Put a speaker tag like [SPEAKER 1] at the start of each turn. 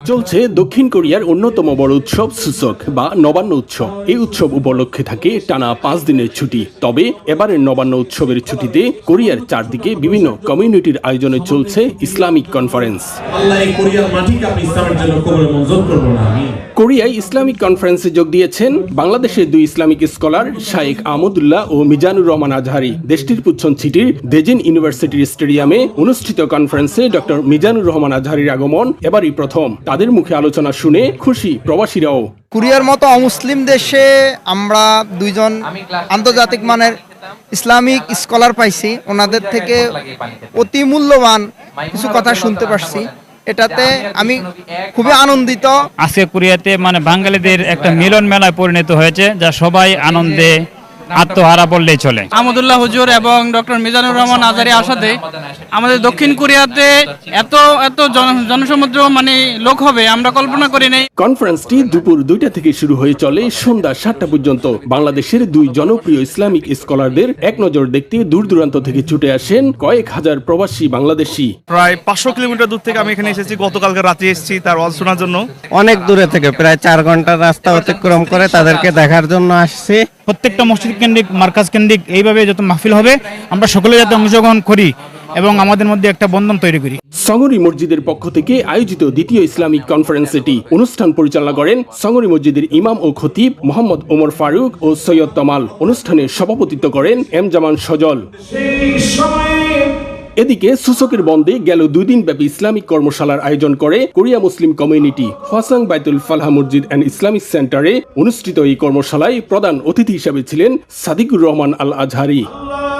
[SPEAKER 1] চলছে দক্ষিণ কোরিয়ার অন্যতম বড় উৎসব সূচক বা নবান্ন উৎসব। এই উৎসব উপলক্ষে থাকে টানা 5 দিনের ছুটি। তবে এবারের নবান্ন উৎসবের ছুটিতে কোরিয়ার চারদিকে বিভিন্ন কমিউনিটির আয়োজনে চলছে ইসলামিক কনফারেন্স। কোরিয়ায় ইসলামিক কনফারেন্সে যোগ দিয়েছেন বাংলাদেশের দুই ইসলামিক স্কলার শাইখ আহমদুল্লাহ ও মিজানুর রহমান আজহারি। দেশটির পুচ্ছন সিটির দেজিন ইউনিভার্সিটির স্টেডিয়ামে অনুষ্ঠিত কনফারেন্সে ডক্টর মিজানুর রহমান আজহারির আগমন এবারই প্রথম। তাদের মুখে আলোচনা শুনে খুশি প্রবাসীরাও।
[SPEAKER 2] কোরিয়ার মতো অমুসলিম দেশে আমরা দুইজন আন্তর্জাতিক মানের ইসলামিক স্কলার পাইছি, ওনাদের থেকে অতি মূল্যবান কিছু কথা শুনতে পারছি। এটাতে আমি খুবই আনন্দিত।
[SPEAKER 3] আজকে কোরিয়াতে বাঙালিদের একটা মিলন মেলায় পরিণত হয়েছে, যা সবাই আনন্দে আত্মহারা বললেই চলে।
[SPEAKER 4] আহমদুল্লাহ হুজুর এবং ডক্টর মিজানুর রহমান আজহারি আসাতে আমাদের দক্ষিণ কোরিয়াতে এত জনসমুদ্র লোক হবে আমরা কল্পনা করি নাই।
[SPEAKER 1] কনফারেন্সটি দুপুর 2টা থেকে শুরু হয়ে চলে সন্ধ্যা 7টা পর্যন্ত। বাংলাদেশের দুই জনপ্রিয় ইসলামিক স্কলারদের এক নজর দেখতে দূর দূরান্ত থেকে ছুটে আসেন কয়েক হাজার প্রবাসী বাংলাদেশি।
[SPEAKER 5] প্রায় 500 কিলোমিটার দূর থেকে আমি এখানে এসেছি, গতকালকে রাতে এসেছি তার ওয়াজ শোনার জন্য।
[SPEAKER 6] অনেক দূরে থেকে প্রায় 4 ঘন্টার রাস্তা অতিক্রম করে তাদেরকে দেখার জন্য আসছি।
[SPEAKER 3] প্রত্যেকটা মসজিদ কেন্দ্রিক, মার্কাজ কেন্দ্রিক এইভাবে যত মাহফিল হবে আমরা সকলে যাতে অংশগ্রহণ করি এবং আমাদের মধ্যে একটা বন্ধন তৈরি করি।
[SPEAKER 1] সঙ্গরি মসজিদের পক্ষ থেকে আয়োজিত দ্বিতীয় ইসলামিক কনফারেন্স এটি। অনুষ্ঠান পরিচালনা করেন সঙ্গরি মসজিদের ইমাম ও খতিব মোহাম্মদ ওমর ফারুক ও সৈয়দ তমাল। অনুষ্ঠানে সভাপতিত্ব করেন এম জামান সজল। এদিকে সূচকের বন্ধে গেল 2 দিন ব্যাপী ইসলামিক কর্মশালার আয়োজন করে কোরিয়া মুসলিম কমিউনিটি। হওয়াসাং বাইতুল ফালাহ মসজিদ অ্যান্ড ইসলামিক সেন্টারে অনুষ্ঠিত এই কর্মশালায় প্রধান অতিথি হিসেবে ছিলেন সাদিকুর রহমান আল আজহারি।